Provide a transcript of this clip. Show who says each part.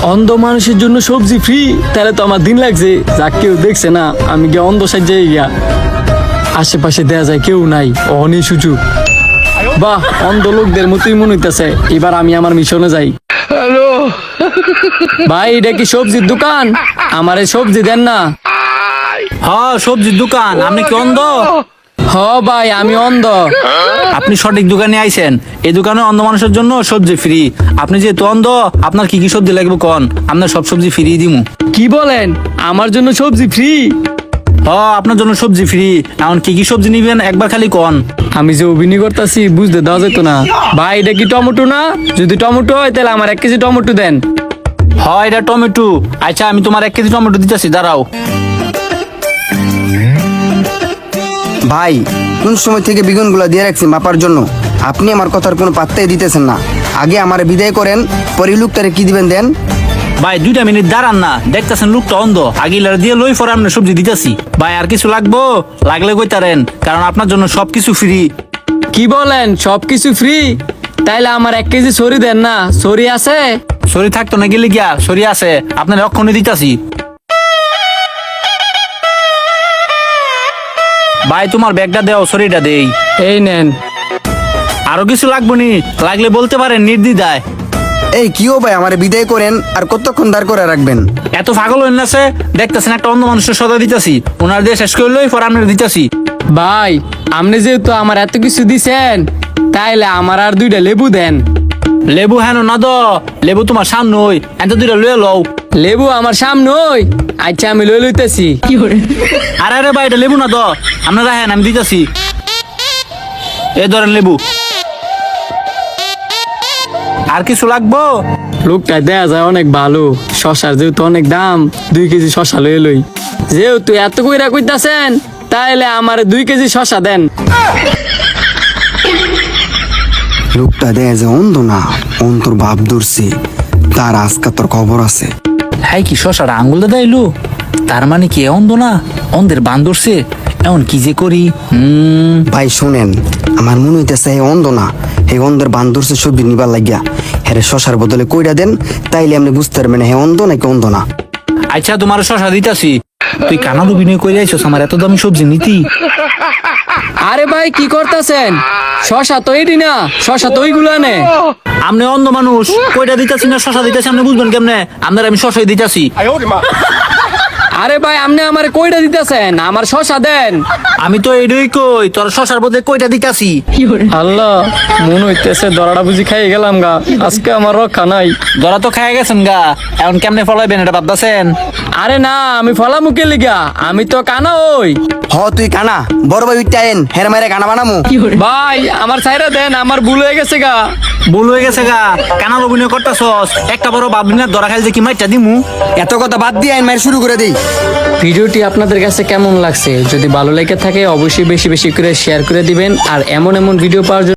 Speaker 1: অন্ধ মানুষের জন্য সবজি ফ্রি, তাহলে তো আমার দিন লাগছে। যা কেউ দেখছে না, আমি গিয়ে অন্ধ সাজ্জে গিয়া আশেপাশে দেয়া যায় কেউ নাই, অনেক সুযোগ। বাহ, অন্ধ লোকদের মতোই মনে হইতেছে। এবার আমি আমার মিশনে যাই। ভাই, এটা কি সবজির দোকান? আমার এই সবজি দেন না।
Speaker 2: হ্যাঁ, সবজির দোকান। আপনি কি অন্ধ?
Speaker 1: হ ভাই, আমি অন্ধ।
Speaker 2: আপনি সঠিক দোকানে আইছেন। এই দোকানে অন্ধ মানুষের জন্য সবজি ফ্রি। আপনি যেহেতু অন্ধ, আপনার কি কি সবজি লাগবে কোন, আপনার সব সবজি ফ্রি দিমু।
Speaker 1: কি বলেন? আমার জন্য সবজি ফ্রি?
Speaker 2: হ্যাঁ, আপনার জন্য সবজি ফ্রি। এখন কি কি সবজি নিবেন একবার খালি কোন।
Speaker 1: আমি যে অভিনয় করতেছি বুঝতে দেওয়া যেত না। ভাই, এটা কি টমেটো না? যদি টমেটো হয় তাহলে আমার 1 কেজি টমেটো দেন।
Speaker 2: হয়, এটা টমেটো। আচ্ছা, আমি তোমার 1 কেজি টমেটো দিতেছি, দাঁড়াও।
Speaker 3: ভাই, কোন সময় থেকে বেগুনগুলো দিয়ে রাখছি মাপার জন্য, আপনি আমার কথার কোনো পাত্তাই দিতেছেন না। আগে আমার বিদায় করেন, পরে লোকটারে কি দিবেন দেন।
Speaker 2: ভাই, 2টা মিনিট দাঁড়ান না, দেখতেছেন লোকটা অন্ধ। আগিলার দিয়ে লই পরে আপনি সবজি দিতেছি। ভাই, আর কিছু লাগবো? লাগলে কইতারেন, কারণ আপনার জন্য সবকিছু ফ্রি।
Speaker 1: কি বলেন? সবকিছু ফ্রি? তাইলে আমার 1 কেজি সরি দেন না। সরি আছে?
Speaker 2: সরি থাকতো না গেলে গিয়া, সরি আছে, আপনার অক্ষণে দিতাছি। ভাই, তোমার ব্যাগটা দেও, সরিটা দেই।
Speaker 1: এই নেন।
Speaker 2: আরো কিছু লাগবো নি? লাগলে বলতে পারেন নির্দ্বিধায়।
Speaker 3: এই কিও ভাই, আমার বিদায় করেন, আর কতক্ষণ দাঁড় করে রাখবেন?
Speaker 2: এত পাগল হইন না সে, দেখতেছেন একটা অন্য মানুষের সদা দিতাছি, ওনার দিয়ে শেষ করলেই পরে আপনার দিতাছি।
Speaker 1: ভাই, আপনি যেহেতু আমার এত কিছু দিছেন, তাইলে আমার আর 2টা লেবু দেন।
Speaker 2: লেবু হেন না দ, লেবু তোমার সামনে ওই, এত 2টা লয়ে লও।
Speaker 1: লেবু আমার সামনে ওই? আচ্ছা, আমি লই লইতেছি।
Speaker 2: আরে আরে ভাই, এটা লেবু না দ, আপনারা হেন, আমি দিতাছি। এ ধরেন লেবু। আর কিছু লাগবো?
Speaker 1: লোকটা দেয়া যায় অনেক ভালো। শশার যেহেতু অনেক দাম, 2 কেজি শশা লই লই। যেহেতু এত কইরা কইতাছেন, তাইলে আমার 2 কেজি শশা দেন।
Speaker 3: লোকটা দেয় যে অন্ধ না, অন্তর ভাব ধরছে, তার আজকা তোর খবর আছে।
Speaker 2: হাই, কি শশাটা আঙ্গুল দাদা এলো? তার মানে কি অন্ধ না, অন্ধের বান ধরছে। এমন কি যে করি?
Speaker 3: ভাই শুনেন, আমার মনে হইতেছে এই অন্ধ না, এই অন্ধের বান ধরছে সবজি নিবার লাগিয়া। হ্যাঁ, শশার বদলে কইরা দেন, তাইলে আপনি বুঝতে পারবেন হ্যাঁ অন্ধ নাকি অন্ধ না।
Speaker 2: আচ্ছা, তোমার শশা দিতাছি। তুই কানার অভিনয় করে আইছস আমার এত দামি সবজি নিতি?
Speaker 1: আরে ভাই, কি করতেছেন? শশা তো এটি না, শশা তো ওইগুলা নে।
Speaker 2: আপনি অন্ধ মানুষ, কইটা দিতাছি না শশা দিতাছি আপনি বুঝবেন কেমনে? আপনার আমি শশাই দিতাছি।
Speaker 1: আরে ভাই, আপনি আমার কইটা দিতেছেন? আমার শশা দেন।
Speaker 2: আমি তো এইটাই কই, তোর শশার বদলে কইটা দিতাছি।
Speaker 1: আল্লাহ, মনে হইতেছে দরাটা বুঝি খাই গেলাম গা। আজকে আমার রক্ষা নাই।
Speaker 2: ধরা তো খাই গেছেন গা, এখন কেমনে ফলাইবেন এটা ভাবতেছেন?
Speaker 1: আরে না, আমি ফলা মুখে লিগা, আমি তো কানা ওই।
Speaker 3: হ তুই কানা, বড় ভাই উঠতে আইন, হের মাইরে কানা বানামু।
Speaker 1: ভাই, আমার ছাইরা দেন, আমার ভুল হয়ে গেছে গা।
Speaker 2: ভুল হয়ে গেছে গা, কানার অভিনয় করতেছস। একটা বড় ভাবলি না ধরা খাইলে যে কি মাইরটা দিমু?
Speaker 3: এত কথা বাদ দিয়ে আইন মাইর শুরু করে দেই।
Speaker 1: ভিডিওটি আপনাদের কাছে কেমন লাগছে? যদি ভালো লেগে থাকে অবশ্যই বেশি বেশি করে শেয়ার করে দিবেন। আর এমন এমন ভিডিও পাওয়ার জন্য